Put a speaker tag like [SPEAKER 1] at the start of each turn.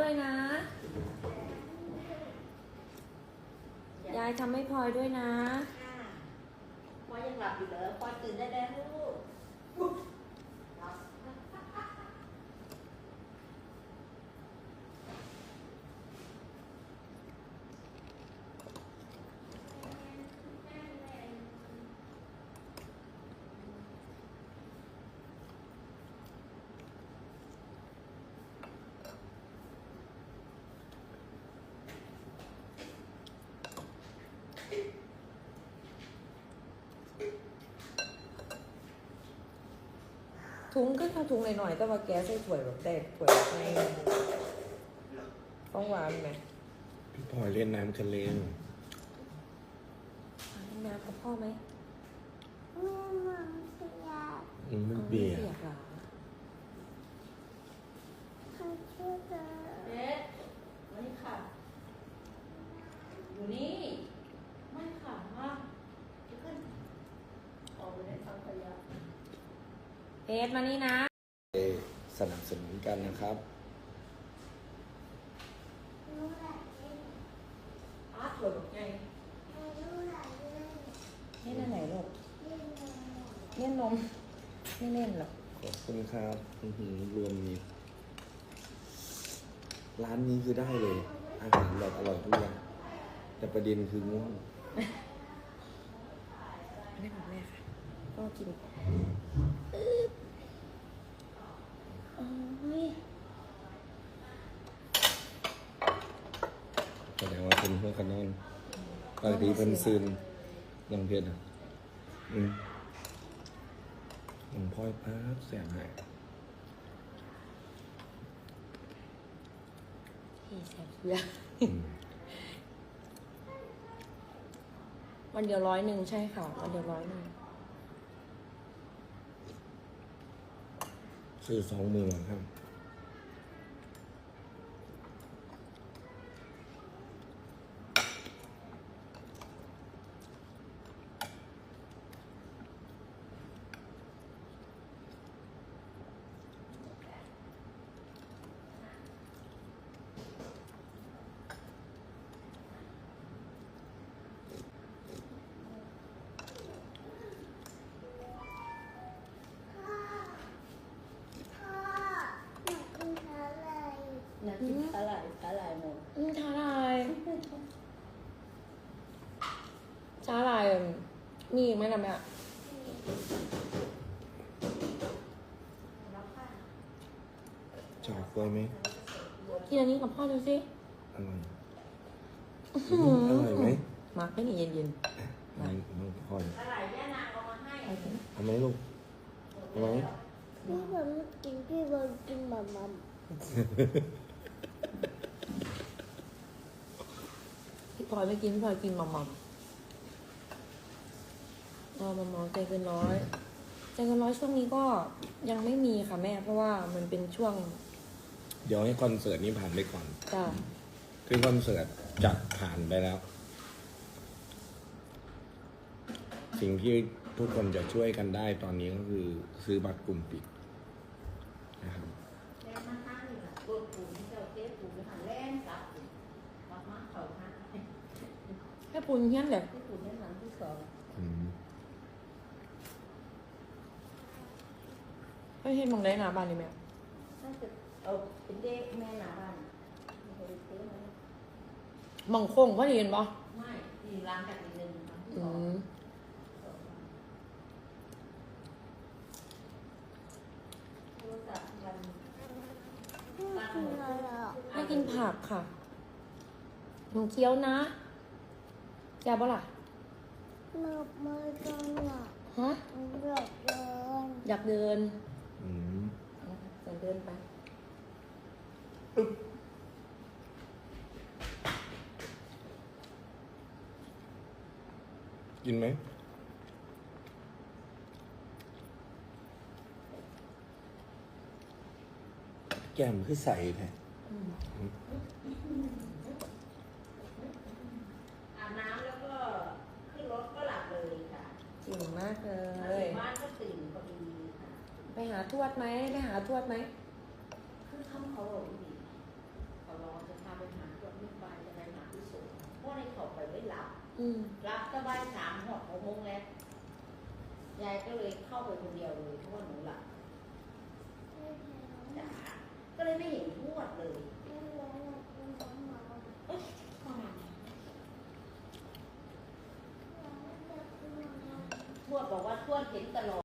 [SPEAKER 1] ด้วยนะยายทำให้พลอยด้วยนะ
[SPEAKER 2] พ่อยังหลับอยู่เหรอพ่อตื่นได้แล้วลูก
[SPEAKER 1] ถุงก็ถ้าถุงหน่อยๆแต่ว่าแกใส่ถ้วยแบบแต่ถ้วยไม่ต้องหวานไหม
[SPEAKER 3] พี่พลอยเล่นน้ำทะเลหน่อย
[SPEAKER 1] น้ำกับพ่อไหม
[SPEAKER 3] ไม่เบียร์
[SPEAKER 1] เปียกเหรอ
[SPEAKER 2] เด็ดวันนี้ค่ะอยู่นี่ไม่ค่ะมาขึ้นออกไปในสังขยา
[SPEAKER 1] เพชรมานี่นะ
[SPEAKER 3] สนับสนุนกันนะครับ
[SPEAKER 2] อาร์ตเลยไง
[SPEAKER 1] เล่นอันไหนลูกเล่นนมไม่เล่นหรอก
[SPEAKER 3] ขอบคุณครับรวมมิตรร้านนี้คือได้เลย อาหารแบบอร่อยทุกอย่างแต่ประเด็นคือง่วง
[SPEAKER 1] ไม่ของแม่ค่ะก็กิน
[SPEAKER 3] แสดงว่าเป็นเพื่อนกันนอนบางทีเป็นซึนลองเพชรผมพ่อยพับแสบหาย
[SPEAKER 1] ที่แสบเยอะวันเดียว100ใช่ค่ะวันเดียว100
[SPEAKER 3] ซื้อ20,000ครับ
[SPEAKER 2] อยากกินอะไรหมด
[SPEAKER 1] ชาลายชาลายมีอีกไหมล่ะแม่
[SPEAKER 3] จากกล้วยไหม
[SPEAKER 1] กินอันนี้กับพ่อดูสิ
[SPEAKER 3] อร่อยอร่อยไหม
[SPEAKER 1] มาร์กไม่หนีเย็น
[SPEAKER 3] น้องพลอย
[SPEAKER 2] อะไรแม่นางเอามาให้
[SPEAKER 1] ๆไปสิ
[SPEAKER 3] เอาไหมลูกเอาไหม
[SPEAKER 4] พี่บอลกินพี่บอลกินหม่ำ
[SPEAKER 1] พี่พลอยไม่กินพี่พลอยกินหม่อมๆหม่อมๆใจเกินร้อยใจเกินร้อยช่วงนี้ก็ยังไม่มีค่ะแม่เพราะว่ามันเป็นช่วง
[SPEAKER 3] เดี๋ยวให้คอนเสิร์ตนี้ผ่านไปก่อน
[SPEAKER 1] จ้า
[SPEAKER 3] คือคอนเสิร์ตจะผ่านไปแล้ว สิ่งที่ทุกคนจะช่วยกันได้ตอนนี้ก็คือซื้อบัตรกลุ่มปิดนะครับ
[SPEAKER 2] แม่มาห้างนี่แหละกดปุ่มเจ้าเจ๊ปุ่มหันแล่นกลับมาเขาห้าง
[SPEAKER 1] แค่ปูนเฮี้ยนเลย
[SPEAKER 2] ที่ปุ่มด้านหลังที่สอง
[SPEAKER 3] อืม
[SPEAKER 1] ไม่เห็นมองได้หนาบ้านเลยแม่
[SPEAKER 2] น่าจะเอาเป็นเด็กแม่หน้าบ้านไม่เคยซื้อมา
[SPEAKER 1] มองโค้งพอดีเห็นปะ
[SPEAKER 2] ไม่ที่ร้านกันอีกหนึ่งครั้งที่ส
[SPEAKER 1] อื
[SPEAKER 2] อง
[SPEAKER 1] ม
[SPEAKER 2] โทรศัพท์กัน
[SPEAKER 4] ๆพี่กินอะไรอ่ะ
[SPEAKER 1] ไม่กินผักค่ะหนูเคี้ยวนะแกบ่ล่ะ
[SPEAKER 4] หลับไม่กันอ่ะ
[SPEAKER 1] ฮะ
[SPEAKER 4] หลับเลย
[SPEAKER 1] อยากเดิน
[SPEAKER 3] อืม
[SPEAKER 1] อยากเดินไป
[SPEAKER 3] กินไหมแก้มคือใสแท้
[SPEAKER 2] อาบน้ำแล้วก็ขึ้นรถก็หลับเลยค่ะ
[SPEAKER 1] เก่งมากเล
[SPEAKER 2] มาย ถึงบ้านก็ตื่นพอดีค่ะ
[SPEAKER 1] ไปหาทวดไหมไปหาทวดไหม
[SPEAKER 2] คือทำเขาบอกดีเขารอ
[SPEAKER 1] อืม
[SPEAKER 2] รับสบาย3 หอด6 โมงแล้วยายก็เลยเข้าไปคนเดียวเลยเพราะว่าหนูหลับจ๋าก็เลยไม่เห็นทวดเลยทวดบอกว่าทวดเห็นตลอด